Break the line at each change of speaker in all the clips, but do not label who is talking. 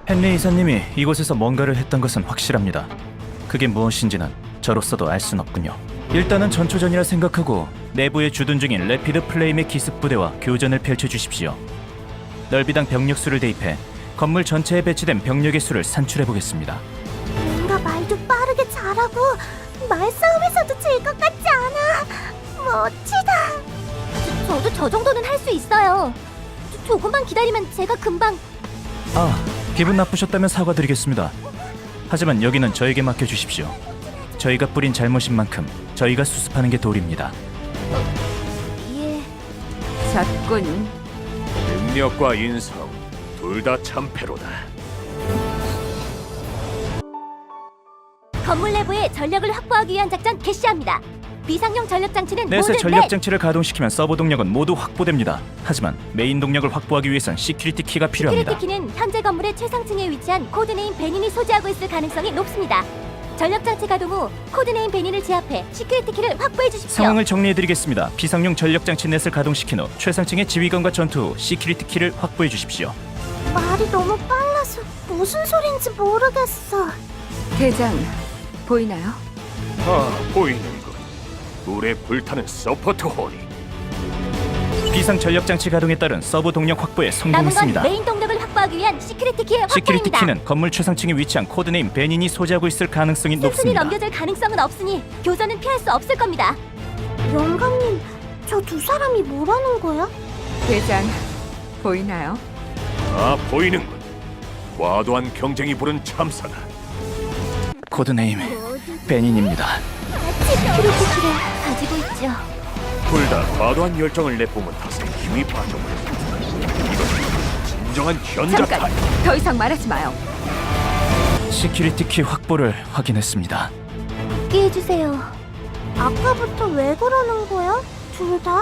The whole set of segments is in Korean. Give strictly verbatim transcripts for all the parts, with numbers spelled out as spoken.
헨리 이사님이 이곳에서 뭔가를 했던 것은 확실합니다. 그게 무엇인지는 저로서도 알 순 없군요. 일단은 전초전이라 생각하고 내부에 주둔 중인 레피드 플레임의 기습 부대와 교전을 펼쳐주십시오. 넓이당 병력 수를 대입해 건물 전체에 배치된 병력의 수를 산출해보겠습니다.
뭔가 말도 빠르게 잘하고 말싸움에서도 질 것 같지 않아. 멋지다. 저, 저도 저 정도는 할 수 있어요. 조, 조금만 기다리면 제가 금방...
아, 기분 나쁘셨다면 사과드리겠습니다. 하지만 여기는 저에게 맡겨주십시오. 저희가 뿌린 잘못인 만큼 저희가 수습하는 게 도리입니다.
예...
잣군.
능력과 인성 둘 다 참패로다.
건물 내부의 전력을 확보하기 위한 작전 개시합니다. 비상용 전력 장치는
넷의
모든
전력
넷!
장치를 가동시키면 서버 동력은 모두 확보됩니다. 하지만 메인 동력을 확보하기 위해선 시큐리티 키가 필요합니다.
시큐리티 키는 현재 건물의 최상층에 위치한 코드네임 베닌이 소지하고 있을 가능성이 높습니다. 전력 장치 가동 후 코드네임 베닌을 제압해 시큐리티 키를 확보해 주십시오.
상황을 정리해드리겠습니다. 비상용 전력 장치 넷을 가동시킨 후 최상층의 지휘관과 전투 후 시큐리티 키를 확보해 주십시오.
말이 너무 빨라서 무슨 소린지 모르겠어.
대장, 보이나요?
아, 보이는군. 물에 불타는 서포트 홀이.
비상 전력 장치 가동에 따른 서버 동력 확보에
남은 건
성공했습니다.
메인 동력을 확보하기 위한 시큐리티 키의
시큐리티
확보입니다.
키는 건물 최상층에 위치한 코드네임 베닌이 소지하고 있을 가능성이
슬슬이
높습니다.
넘겨질 가능성은 없으니 교전은 피할 수 없을 겁니다. 영감님, 저 두 사람이 뭐라는 거야?
대장, 보이나요?
아, 보이는군. 과도한 경쟁이 부른 참사다.
코드네임 베닌입니다.
시큐리티 키를 가지고 있죠.
둘 다 과도한 열정을 내뿜은 탓에 힘이 빠져버렸다. 이건 진정한 현자타.
잠깐, 더 이상 말하지 마요.
시큐리티 키 확보를 확인했습니다.
듣게 해주세요. 아까부터 왜 그러는 거야? 둘 다?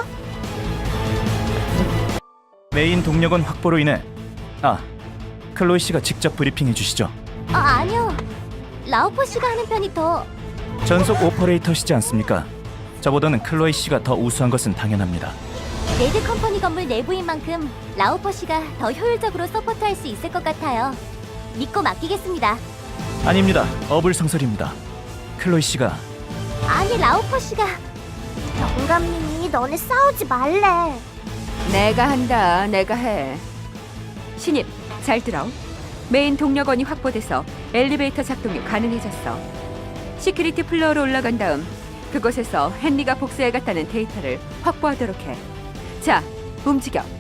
메인 동력원 확보로 인해 아, 클로이 씨가 직접 브리핑해 주시죠.
아, 아니요. 라오포 씨가 하는 편이 더...
전속 오퍼레이터시지 않습니까? 저보다는 클로이 씨가 더 우수한 것은 당연합니다.
레드 컴퍼니 건물 내부인 만큼 라오포 씨가 더 효율적으로 서포트할 수 있을 것 같아요. 믿고 맡기겠습니다.
아닙니다. 어불성설입니다. 클로이 씨가
아니, 라오포 씨가... 영감님이 너네 싸우지 말래.
내가 한다, 내가 해. 신입, 잘 들어. 메인 동력원이 확보돼서 엘리베이터 작동이 가능해졌어. 시큐리티 플로어로 올라간 다음 그곳에서 헨리가 복수해갔다는 데이터를 확보하도록 해. 자, 움직여.